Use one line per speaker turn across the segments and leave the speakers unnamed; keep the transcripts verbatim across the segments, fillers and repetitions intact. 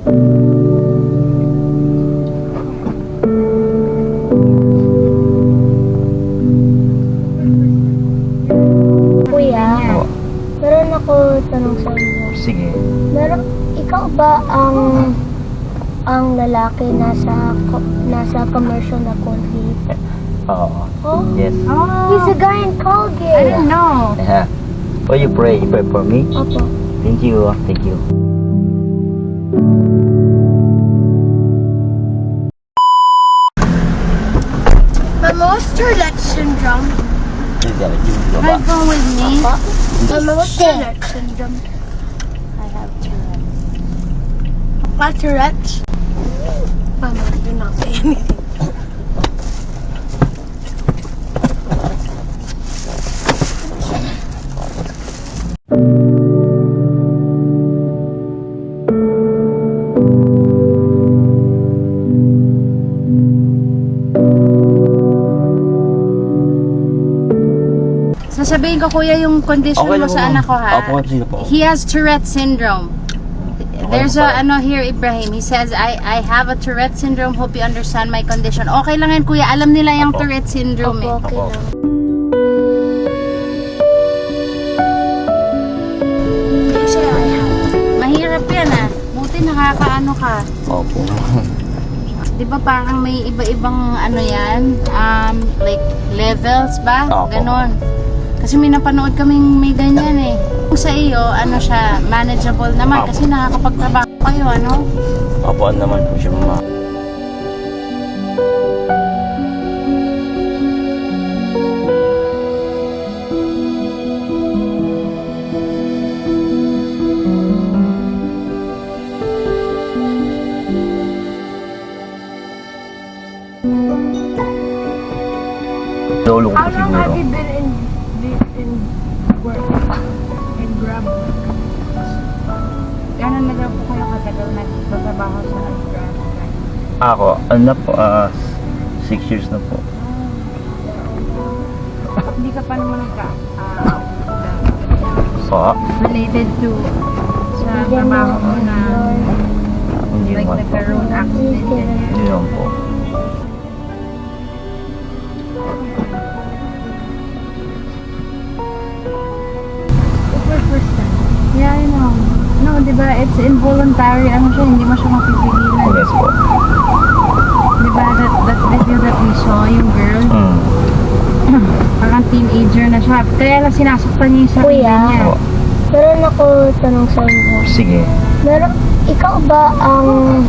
Kuya,
Oo.
meron ako tanong sa inyo.
Sige.
Meron, ikaw ba ang ang lalaki nasa ko- nasa commercial na Colgate?
Oo.
Oh,
Yes.
he's a guy in Colgate.
I don't know.
Yeah. Oh, you pray. You pray for me?
Opo.
Thank you. Thank you.
Mama, what's Tourette syndrome?
Can you go with me?
Mama, what's Tourette syndrome?
I have Tourette's.
What Tourette's? Mama, you're not saying anything.
Sasabihin ko kuya yung condition
Okay
mo
lang po,
sa
ma'am.
anak ko ha.
Opo, sino po?
He has Tourette syndrome. There's
po
a
ba?
ano here Ibrahim. He says I I have a Tourette syndrome. Hope you understand my condition. Okay lang yan kuya. Alam nila yung
Opo.
Tourette syndrome eh.
Opo, okay
Opo.
lang. You say I have.
Mahirap yan ah. Buti nakakaano ka.
Opo.
Di ba parang may iba-ibang ano yan? Um, like levels ba?
Opo.
Ganon. Kasi may napanood kaming may ganyan eh. Kung sa iyo, ano siya, manageable naman.
Opo.
Kasi nakakapagtrabaho kayo, ano?
Opo, ano naman po siya, mama. Lolo ko po
How long
siguro.
have you been in in work in Grab?
Gano'n na daw po kayo katagal nagtatrabaho sa Grab?
Ako, ano na po, ah, six years na po.
Hindi ka pa naman nagka ah,
So,
related to sa trabaho mo na
hindi
like
naman po.
nagkaroon accident ganyan.
Hindi naman po.
Super first time. Yeah, I know. No, di ba, it's involuntary, ano siya, hindi mo siya mapipigilan.
Yes po.
Di ba, that, that video that we saw, yung girl,
Hmm.
parang teenager na siya. Kaya lang sinasaktan niya yung sarili
Kuya.
niya.
Oo.
Meron ako tanong sa inyo.
Sige.
Meron, ikaw ba ang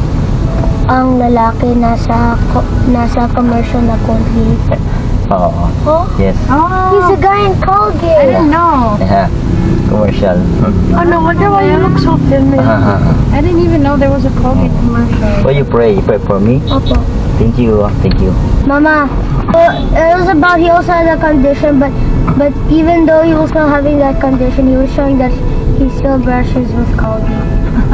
ang lalaki nasa ko- nasa commercial na Colgate?
Oo.
Oh,
Yes.
Oh,
he's a guy in
I
Colgate.
didn't know.
Yeah. Commercial.
Oh no wonder why you look so thin.
I didn't even know there was a Colgate commercial.
Oh, you pray. You pray for me?
Opo.
Thank you. Thank you.
Mama, uh, it was about he also had a condition, but but even though he was not having that condition, he was showing that he still brushes with Colgate.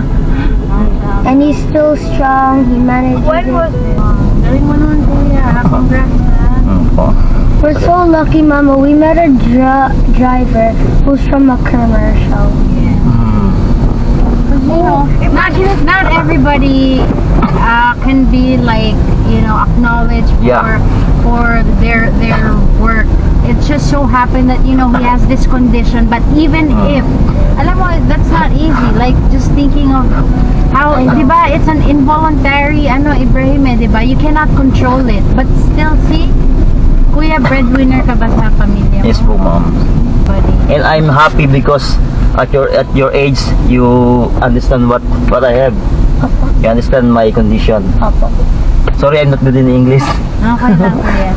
And he's still strong. He manages.
When
it.
was this? Galing mo naman kuya. Congrats na.
Hmm po.
We're so lucky, Mama. We met a dri- driver who's from a commercial.
Hmm.
You know, not, not everybody uh, can be like, you know, acknowledged for
Yeah.
for their their work. It just so happened that, you know, he has this condition, but even
Mm.
if, alam mo, that's not easy. Like, just thinking of how, di ba, it's an involuntary, ano, Ibrahim, eh, di ba? You cannot control it. But still, see, kuya, breadwinner ka ba sa pamilya mo?
Yes po, ma'am.
Buddy.
And I'm happy because at your at your age you understand what what I have. You understand my condition.
Opo.
Sorry, I'm not good in English.
Okay lang, kuya.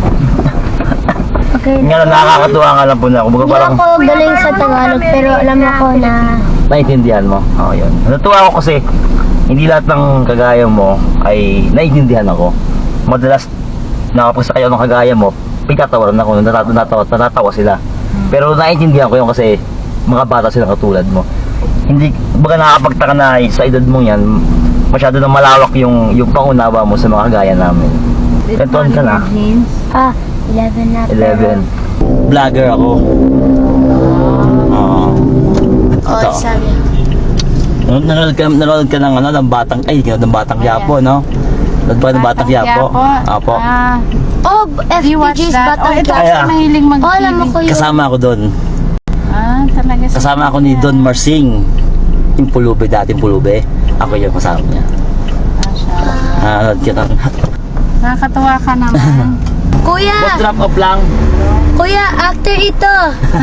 Okay.
Nga lang, nakakatuwa nga lang po na ako. Baga
Hindi
parang
ako galing sa Tagalog, pero alam ako na
naiintindihan mo. Oo, yun. Natuwa ako kasi hindi lahat ng kagaya mo ay naiintindihan ako. Madalas nakapagsa kayo ng kagaya mo, pagkatawaran ako, natatawa, natatawa, natatawa sila. Pero naiintindihan ko yun kasi mga bata sila katulad mo. Hindi, baga nakakapagtaka na sa edad mo yan, masyado na malawak yung, yung pangunawa mo sa mga kagaya namin. Ilan taon ka na?
Jeans.
ah, eleven na. pero-
eleven. Vlogger ako. Oo.
Oh,
Ito.
sabi.
Nanonood ka, nanonood ka ng ano, ng batang, ay, ng batang Quiapo, no? Nanonood pa ng batang Quiapo. Apo.
Ah,
Oh,
do you watch
F P G's
that? Oh,
Batang
ito
Quiapo.
Kaya.
kasi mahiling mag-T V.
Oh, alam mo ko yun.
Kasama ako doon.
Ah, talaga. si
Kasama ako ni
Kuya.
Don Marsing. Yung pulube, dating pulube. Ako yung kasama niya.
Mashallah.
Ah, nanonood kita.
Nakakatuwa ka naman.
Kuya,
Boss, drop off lang.
kuya, actor ito.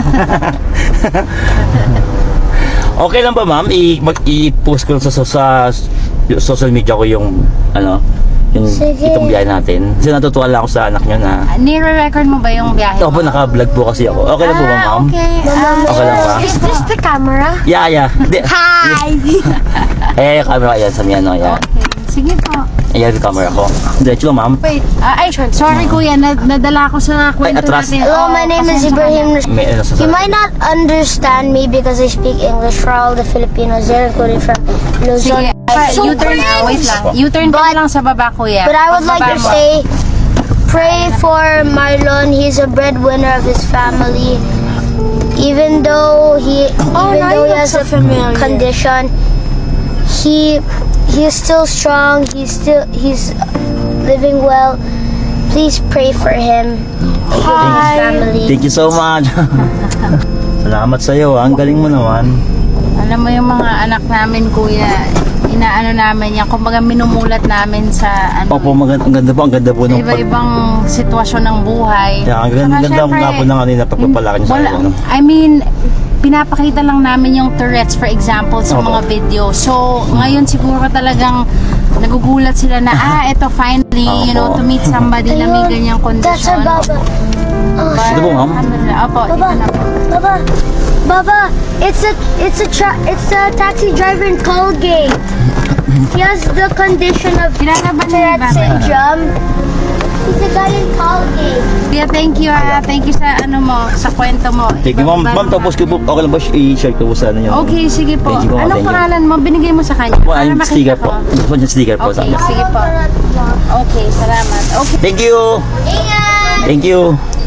Okay lang ba, ma'am? I mag i-post ko sa, sa, sa social media ko yung ano, yung
Sige.
itong biyahe natin. Kasi natutuwa lang ako sa anak niyo na
Nire-record mo ba yung biyahe
opo,
mo?
naka-vlog po kasi ako. Okay lang po ba,
Ah,
ma'am?
okay. Ah,
Okay lang ba?
Is this the camera?
Yeah, yeah. Di-
Hi!
eh, camera yan sa miyan, no? Yan.
Okay. Sige po.
Ayan yung camera ko. Diretso lang, ma'am.
Wait. Ah, ay, sorry kuya. Nad nadala ko sa kwento
atras.
natin.
Hello,
Oh,
my name is
pasensya ka
Ibrahim.
na.
May ano sa
You might not understand me because I speak English for all the Filipinos there, including from
Sige.
Luzon.
Pa,
So
U-turn na. Wait lang. U-turn ka
But-
lang sa baba kuya.
But I would like
Pagbaba
to
mo.
say, pray for Marlon. He's a breadwinner of his family. Even though he,
Oh,
even
now
though
you
he
look
has
so
a
familiar.
condition, he he's still strong. He's still he's living well. Please pray for him and his family.
Thank you so much. Salamat sa iyo. Ang galing mo naman.
Alam mo yung mga anak namin kuya, inaano namin yan. Kumbaga minumulat namin sa ano.
Opo, maganda, ang ganda po. Ang ganda po
sa
ng pag...
iba-ibang sitwasyon ng buhay.
Yeah, ang ganda,
Saka
ganda
syempre,
nga po ng kanina pagpapalaki niyo sa
wala,
akin. Ano?
I mean, pinapakita lang namin yung Tourette's for example sa
Opo.
mga video. So, ngayon siguro talagang nagugulat sila na, ah, ito finally, you know, to meet somebody na may ganyang
That's our
kondisyon.
Baba. Oh,
Ito po, ma'am.
Alhamdulillah. Opo, dito
Baba,
na po.
Baba, Baba, it's a it's a tra- it's a taxi driver in Colgate. He has the condition of
Kilala ba niya
Tourette
ba?
syndrome. He's a guy in Colgate.
Yeah, thank you ah. Thank you sa ano mo, sa kwento mo.
Thank you, ma'am.
Iba-iba
Ma'am,
naman.
tapos ko po. Okay lang ba i-share ko po sa ano yung...
Okay, sige po.
Thank you po,
Anong
thank you.
pangalan mo? Binigay mo sa kanya.
Po,
Para
yung
makita
sticker
ko.
po. Gusto ko yung sticker po sa
Okay,
kanya.
sige po. Okay, salamat. Okay.
Thank you.
Ingat!
Thank you.